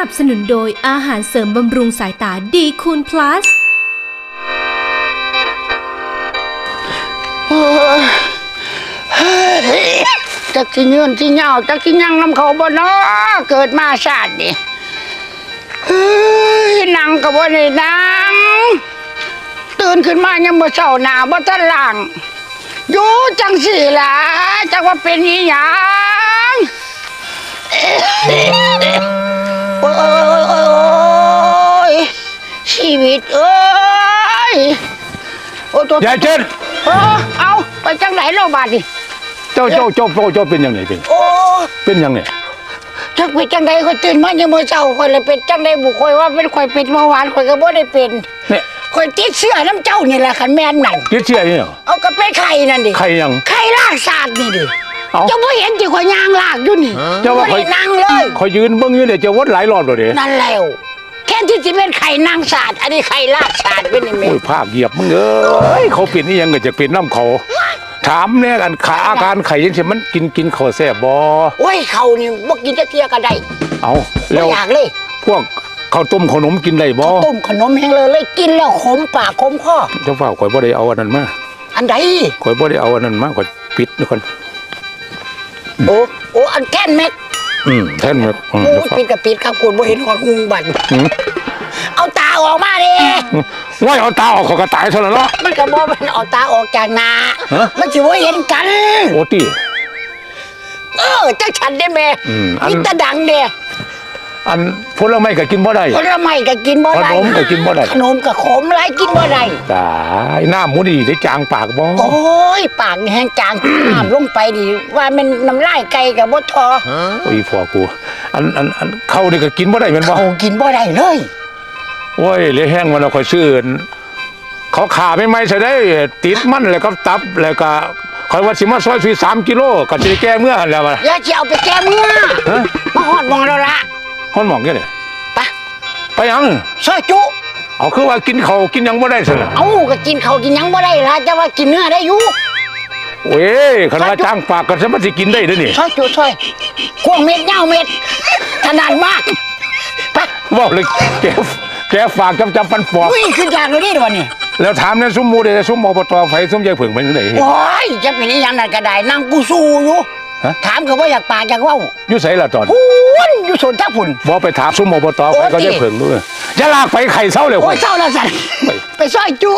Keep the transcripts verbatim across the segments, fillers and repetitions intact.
นับสนุนโดยอาหารเสริมบำรุงสายตาดีคูณ plus จักที่ยืนที่เหงาจักที่ยังน้ำเขาบ่เนาะเกิดมาชาตินี่เฮ้ยนั่งก็บ่ได้นั่งตื่นขึ้นมายังบ่เช้าหน้าบ่ทันล้างอยู่จังสี่ล่ะจักว่าเป็นอีหยังโอ้ยโอ้ยโอ้ยโอ้ยชีวิตเอ้ยโอ้ตัวยายเจนเออเอาไปจังไหนโรงพยาบาลดิเจ้าเจ้าเจ้าเจ้าเจ้าเป็นยังไงเป็นโอ้เป็นยังไงจักเป็นจังใดก็ตื่นมายังมื้อเช้าข่อยเลยเป็นจังใดบุข่อยว่าเป็นข่อยเป็นเมื่อวานข่อยก็บ่ได้เป็นเนี่ยข่อยติดเชื้อน้ำเจ้านี่แหละคันแม่นนั่นติดเชื้อนี่เหรอเอาก็เป็นไข้นั่นดิใครยังไข้ลากศาสตร์นี่ดิเอ้าเจ้าบ่เห็นที่ข่อยย่างลากอยู่นี่เจ้าว่าบ่ข่อยได้นั่งเลยคอยยืนเบิ้งอยู่เนี่ยจะวดหลายรอบเลยเด้นั่นแล้วแค่ที่สิเป็นไข้นางศาสตร์อันนี้ไข้ลากศาสตร์เป็นนี่แม่โอ้ยภาคเหยียบมึงเอ้ยเขาเป็นนี่ยังก็จะเป็นน้ำเขาถามเนี่ยกันขาอาการไข่ยังเช่นมันกินกินข้าวแซ่บบ่โอ้ยเขานี่บ่กินจักเที่ยก็ได้เอาบ่แล้วอยากเลยพวกข้าวต้มขนมกินได้บ่ต้มขนมแห้งเลยเลยกินแล้วขมปากขมคอเจ้าฝ้าข่อยบ่ได้เอาอันนั้นมาอันใดข่อยบ่ได้เอาอันนั้นมาข่อยปิดนี่คนโอ้โอ้อันแก้นแม็กอืมแท่นแบบอืมโอ้เจ้าฝ้าปิดกับปิดครับคุณบ่เห็นของงูบันอืมเอาตาออกมาดิว่าเอาตาออกเขอกระต่ายเท่านั้นเนาะมันก็บ่มันเอาตาออกจากหน้าฮะมันสิบ่เห็นกันโอ้ตีเออจักฉันได้แม่อืมอันมีแตะดังเด้อันผลไม้ก็กินบ่ได้ผลไม้ก็กินบ่ได้ขนมก็กินบ่ได้ขนมก็ขมหลายกินบ่ได้ตายหน้าหมูดีได้จางปากบ่โอ้ยปากนี่แห้งจางน้ำลงไปดิว่ามันน้ำลายไก่กับบ่ทอโอ้ยพ่อกูอันอันอันเข้านี่ก็กินบ่ได้แม่นบ่เขากินบ่ได้เลยโอ้ยเหลยแห้งมันเราค่อยซื้อเขาขาไม่ไม่ใช่ได้ติดมันแล้วก็ตับแล้วก็คอยว่าสิมาซอยสุยสามกิโลก็สิได้แก้เมื่อหั่นแล้วว่าอย่าสิเอาไปแก้มือฮะมาฮอดมองแล้วละฮ้อนหมองแค่นี่ไปไปหยังซอยจุเอาคือว่ากินข้าวกินหยังบ่ได้ซั่นน่ะเอาก็กินเขาวกินหยังบ่ได้ละจะว่ากินเนื้อได้อยู่โอ้ยคันว่าจางปากก็สิมันสิกินได้เด้อนี่ซอยจุซอยกวางเม็ดเงาเม็ดขนาดมากไปเว้าเลยแกแกฝากจำจำปันปอกอุ้ยขึ้นจากเราได้ด้วยนี่แล้วถามในซุ้มหมู่เด้ซุ้มอบตไฟซุ้มยายเผิงเป็นจังได๋โอ้ยจะเป็นอีหยังนั่นก็ได้นั่งกูสู้อยู่ฮะถามก็ว่าอยากปากอยากเว้าอยู่ไสล่ะตอนพุ่นอยู่สวนท่าพุ่นบ่ไปถามซุ้มอบตไฟก็ยายเผิงด้วยอย่าลากไปไข่เซาเลยโอ้ข่ยอยเศร้าแล้วสันไปไปซอยจุ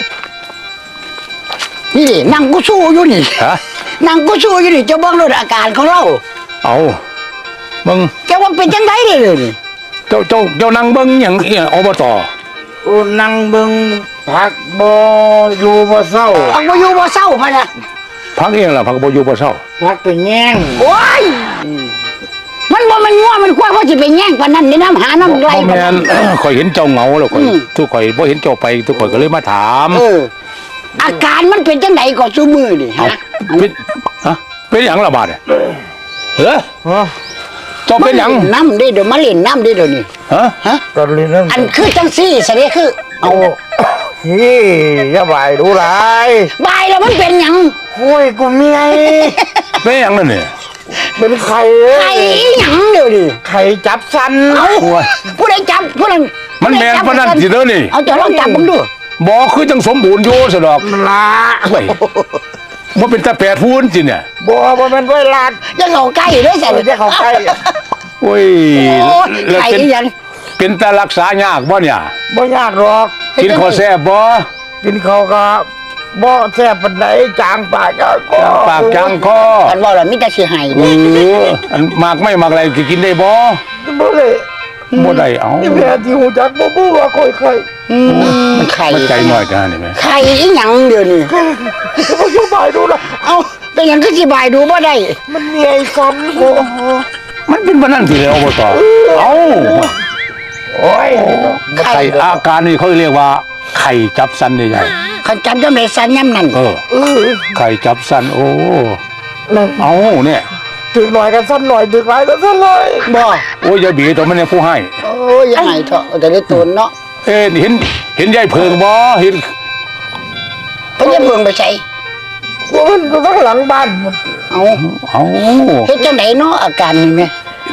นี่ดินั่งกูสู้อยู่นี่ฮะนั่งกูสู้อยู่นี่จะเบิ่งรถอาการของเราเอามึงจะว่าเป็นจังไดเด้อนี่เจ้าเจ้าเจ้านั่งเบิ้งอย่างเอียอบตโอ้นั่งเบิ่งพักบ่อยู่บ่เศร้าเอาบ่อยู่บ่เศร้าพะนะพักเองล่ะพักบ่อยู่บ่เศร้าพักไปแย่งโอ้ยมันบ่มันงัวมันควายว่าสิไปแย่งปานนั้นในน้ำหาน้ำไหลบ่ปาแม่นั้นน ข่อยเห็นเจ้าเหงาแล้วข่อยอืมทุกข่อยบ่เห็นเจ้าไปทุกข่อยก็เลยมาถามเออ อาการมันเป็นจังไดก็ซุมือนี่เอาฮะเป็นฮะเป็นหยังล่ะบาดเนี่ยเฮ้อฮะเจ้าเป็นหยังมาล่น้ำได้เดี๋ยวมาเล่นน้ำได้เดี๋ยวนี้ฮะฮะตอนนี้นั่นอันคือจังซี่สิเด้คือเอานี่อย่าบ่ายดูหลายบายแล้วมันเป็นหยังโอ้ยกูเมียเป็นหยังนั่นนี่เป็นไข่ไข่อีหยังเดี๋ยวนี้ไข่จับสันเอาโอ้ยผู้ใดจับผู้นั้นมันแม่นปานนั้นสิเด้อนี่เอาจะลองจับผมดูบ่คือจังสมบูรณ์อยู่ซะดอกมันละเว้ยบ่เป็นตาแปดพูนจิเนี่ยบ่บ่แม่นไว้ลาดจะเข้าใกล้ด้วยสิเออจะเข้าใกล้โอ้ยโอ้แล้วไข่เป็นอีหยังเป็นตารักษายากบ่เนี่ยบ่ยากหรอกกินข้าวแซ่บบ่กินข้าวก็บ่แซ่บปานใดจางปากก็จางปากจางคออันว่าแล้วมีแต่สิให้เอออันมากไม่มากอะไรก็กินได้บ่บ่เลยบ่ได้เอ้านี่แม่ที่หูจักบ่บู้ว่าค่อยไข่อืมมันไข่มันใจน้อยกันนี่แม่ไข่อีหยังเดี๋ยวนี้บ่อยู่บ่ายดูละเอาเป็นหยังคือสิบายดูบ่ได้มันมีไอ้สันโอ้มันเป็นปานนั้นสิแล้วอบตเอ้าโอ้ยไข่อาการนี่เขาเรียกว่า ไข่จับสันใหญ่คันจับจังได๋สันยามนั้นๆเออไข่จับสันโอ้เอ้าเนี่ยถึงหน่อยกันสั้นหน่อยถึงหลายกันสั้นเลยบ่โอ้ยยายบีตัวมันเนี่ยผู้ให้โอ้ยยังไงเถอะแต่ได้ตูนเนาะเอ้เห็นเห็นยายเพิงบ่เห็นเพิ่นจะเบิ่งไปใส่มันก็ต้องหลังบ้านเอาเอ้าเฮ็ดจังไดเนาะอาการนี่แม่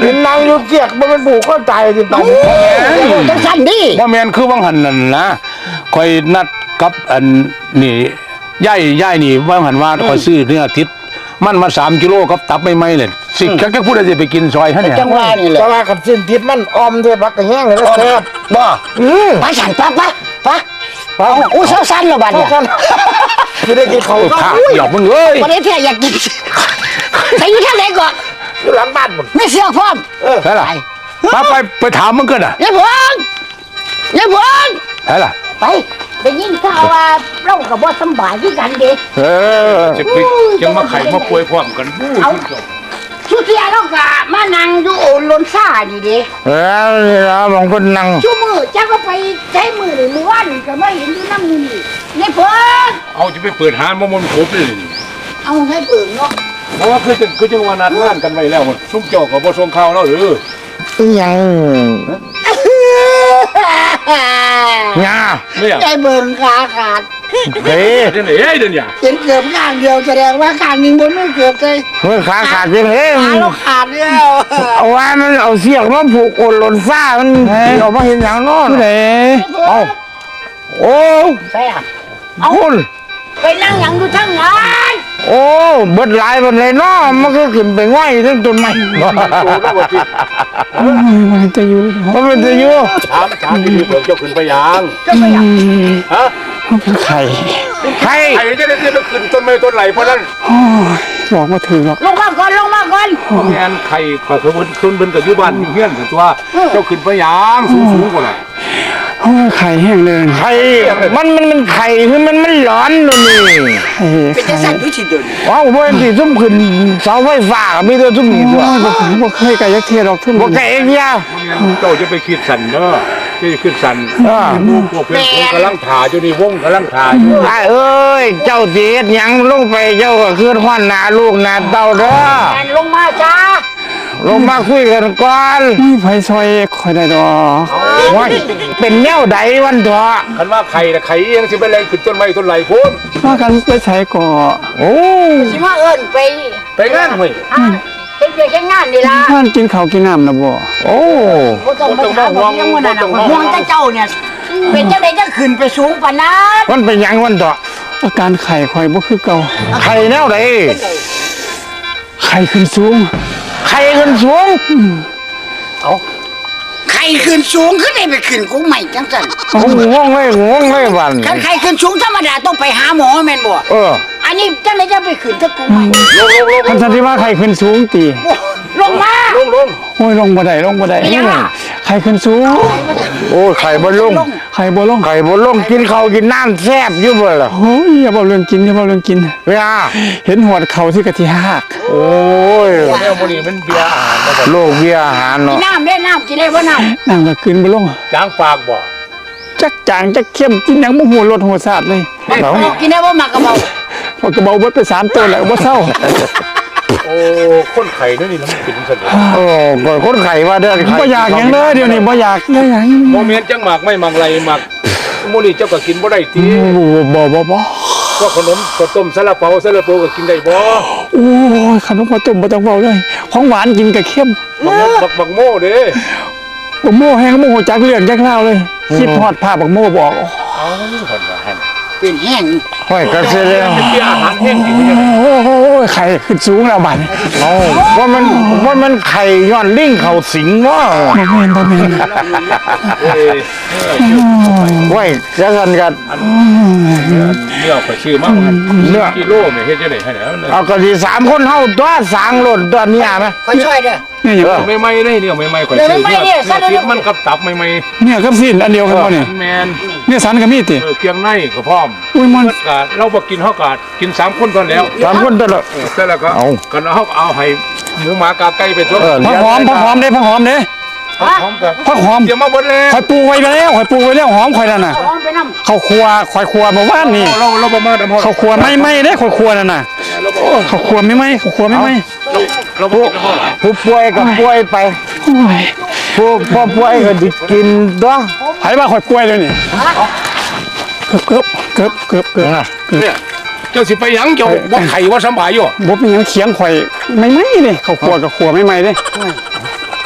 เห็นนางอยู่เกียกมันเป็นผูกก็ตายสิตายจังสั่นดิบ่แม่นคือวังหันนั่นนะคอยนัดกับอันนี่ย่ายย่ายนี่ว่าหันว่าคอยซื้อเนื้อทิพย์มันมาสามกิโลกับตับไม่ไหมเลยสิแค่พูดอะไรจะไปกินซอยฮะเนี่ยจังหวะนี่แหละแต่ว่าขันสิ้นทิศมันออมด้วยพักกระแห้งเลยนะแซ่บบ่อืมไปสั่นปะปะปะเอาอู้เช้าสั้นแล้วบัดเนี่ยจะได้กินเขาโอ้ยข้าหยอกมึงเอ้ยวันนี้เพี่อยากกินไปอยู่ทางไหนก่อนอยู่หลังบ้านหมดไม่เสื้อพร้อมใช่ล่ะมาไปไปถามมึงกันอ่ะยายพวงยายพวงใช่ล่ะไปได้ยินข่าวว่าเรากับบ่สำบายคือกันเด้เออจะไปจังมาไข่มาป่วยพร้อมกันบู้เอาสุเทียเราก็มานั่งอยู่โอนลนซ่านี่เด้เออนี่นะบางคนนั่งชั่วมือจ้าก็ไปใช้มือนี่มื้อวานก็มาเห็นอยู่นำนี่ยายพวงเอาจะไปเปิดหานมามนครบเลยนี่เอาให้เบิ่งเนาะเพราะว่าคือจังคือจังว่านัดงานกันไว้แล้วซุ่มเจ้าก็บ่ส่งข่าวแล้วหรือยัง งาไม่อยากใจเบิ่งขาขาดเฮ้ยเดี๋ยวนี้เอ้ยเดี๋ยวนี้เห็นเกือบข้างเดียวแสดงว่าข้างหนึงบ่มีเกือบเลยเมื่อขาขาดจริงเฮ้ยขาเราขาดแล้วเอาไว้มันเอาเสียกมาผูกโอนหล่นซ่ามันเอามาเห็นอย่างนอนไหนเอาโอ้ใช่อ่ะคุณไปนั่งหยังอยู่ทั้งนั้นโอ้เบิดหลายเบิดเลยเนาะมันก็ขึ้นไปง่อยทั้งต้นไม้มันจะอยู่มันเป็นจะอยู่ถามถามที่เบิกเจ้าขึ้นไปยังจะไปหยังฮะมันเป็นไข่ใครไอ้จะได้จะขึ้นต้นไม้ต้นไหลเพราะนั้นโอ้ยบอกมาถึงหรอกลงมาก่อนลงมาก่อนแม่นไข่ก็คือคนคนเป็นกับอยู่บ้านอยู่เฮียนกันตัวเจ้าขึ้นไปยังสูงสูงกว่าน่ะโอ้ยไข่แห้งเลยไข่มันมันมันไข่คือมันมันร้อนเลยนี่ไข่เป็นจังไข่สั่นอยู่สิเดินว้าวเพื่อนที่ซุ่มขึ้นเสาไฟฟ้าก็มีแต่ซุ่มนี่โอ้ตัวยบอกบอกเคยกับยักษ์เทียดอกทุ่มบอกแกเองยาเจ้าจะไปคิดสันเด้อจะขึ้นสันอ่าพวกเพื่อนผมกำลังถ่ายอยู่นี่วงกำลังถ่ายอยู่ไอ้เอ้ยเจ้าเสียดหยังลงไปเจ้าก็ขึ้นข้อนหนาลูกหนาเต้าเด้อแอนลงมาจ้าลงมาคุยกันก่อนไม่ไฟซอยคอยได้ดอกว่าเป็นแนวใดวันเถอะคันว่าไข่น่ะไข่เอียงสิไปแรงขึ้นต้นไม้ต้นไหลพุ่นว่ากันไปใช้ก่อโอ้สิมาเอิ้นไปไปงานเว้ยอ่าเฮ็ดเวียกเฮ็ดงานนี่ล่ะท่านกินข้าวกินน้ำนะบ่โอ้บ่ต้องไปถามว่ายังว่านั่นน่ะห่วงแต่เจ้าเนี่ยเป็นจังได๋จะขึ้นไปสูงปานนั้นมันเป็นหยังวันเถอะอาการไข่คอยบ่คือเก่าไข่แนวใดไข่ขึ้นสูงไข่ขึ้นสูงไข่ขึ้นสูงขึ้นได้ไปขึ้นกุ้งใหม่จังซั่นโอ้งงเลยงงเลยวันคันไข่ขึ้นสูงธรรมดาต้องไปหาหมอแม่นบ่เอออันนี้จังได๋จะไปขึ้นตะกุ้งใหม่ท่านสันติว่าไข่ขึ้นสูงตีลงมาลงลงโอ้ยลงบ่ได้ลงบ่ได้เป็นยังไงไข่ขึ้นสูงโอ้ไข่บนลงไข่บ่ลงไข่บนลงกินข้าวกินน้ำแซ่บอยู่บ่ล่ะโอ้ยอย่าบอกเรื่องกินอย่าบอกเรื่องกินเวียเห็นหัวเขาที่กะทิหักโอ้ยแนวมื้อนี้มันเบียร์อาหารมาบ่โลกเบียร์อาหารกินเนาะน้ำได้น้ำกินได้บ่น้ำน้ำก็กินบ่ลงจางปากบ่จักจางจักเข้มกินหยังบ่หัวรสหัวสาดเลยเอากินได้บ่มากระเบาพอกระเบาเบิดไปสามตัวแล้วบ่เศร้าโอ้คนไข่นั่นนี่มันเป็นซั่นโอ้ก่อนคนไข่ว่าเด้อไข่บ่อยากหยังเลยเดี๋ยวนี้บ่อยากเลยหยังโมเมนต์จังหมากไม่หมากไหลหมากมื้อนี้เจ้าก็กินบ่ได้ติบ่บ่บ่ก็ขนมข้าวต้มซาลาเปาซาลาเปาก็กินได้บ่โอ้ยขนมข้าวต้มบ่ต้องเว้าเลยของหวานกินกับเข้มบักบักบักโม่เด้บ่โม่แห้งบ่ฮู้จักเรื่องจักราวเลยคิดฮอดภาพบักโม่บอกเอาคนว่าหั่นเป็นแห้งห้อยกระเซ็นแล้วเป็นเบียร์อาหารแห้งกินได้โอ้โหไข่ขึ้นสูงแล้วบัดนี้เอาว่ามันว่ามันไข่ย้อนลิงเขาสิงวะบ่แม่นบ่แม่นเอ้ยไว้จะกันกันเนื้อก็ชื่อมากกันเนื้อกิโลแม่เฮ็ดจังได๋ให้แล้วเอากระดีสามคนเฮาตัวสางหล่นตัวเนี้ยไหมค่อยช่วยเด้อเนี่ยอย่างไม่ไม่ได้เนี่ยไม่ไม่ข่อยชื่อติดมันกับตับไม่ไม่เนี่ยกับสิ้นอันเดียวกันบ่เนี่ยแมนเนี่ยสันก็มีติเออเกียงในก็พร้อมอุ้ยมันกาดเราบ่กินเฮากาดกินสามคนก่อนแล้วสามคนตัวละเออแต่แล้วก็เอากันเฮาเอาให้หมูหมากาไก่ไปทั่วเออผักหอมผักหอมเด้ผักหอมเด้พร้อมกันผักหอมเดี๋ยวมาเบิดเลยข่อยปลูกไว้แล้วข่อยปลูกไว้แล้วหอมข่อยนั่นน่ะเอาหอมไปน้ำข้าวครัวข่อยครัวเมื่อวานนี่เราเราบ่มาดำเฮาข้าวครัวไม่ไม่เด้ข่อยครัวนั่นน่ะเราบ่ข้าวครัวไม่ไม่ข้าวครัวไม่ไม่เราเราบ่กินเฮาผู้ป่วยกับป่วยไปโอ้ยผู้พ่อป่วยก็ดิกินตัวไผว่าข่อยป่วยเลยนี่เกือบเกือบเกือบเกือบเกือบเกือบเนี่ยเจ้าสิไปหยังเจ้าบ่ไข่ว่าสำบายอยู่บ่เป็นหยังเคียงข่อยไม่ไม่เด้ข้าวครัวกับครัวไม่ไม่เด้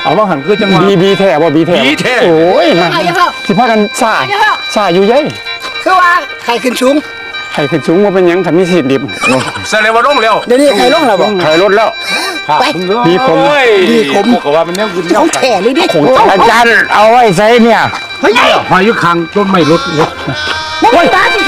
เอาว่าหันคือจังหวะบีบีแท้บ่บีแท้บีแท้โอ้ยมาสิพากันซ่าซ่าอยู่ยัยคือว่าไข่ขึ้นสูงไข่ขึ้นสูงว่าเป็นหยังทำมีสิทธิ์ดิบแสดงว่าลงแล้วเดี๋ยวนี้ไข่ลงแล้วบ่ไข่ลดแล้วไปดีคมดีคมก็ว่ามันแนวกินแนขวองไข่แข่เลยดิอาจารย์เอาไว้ใส่เนี่ยเฮ้ยหอยอยู่ข้างต้นไม้รถรถบ่มีบ้าน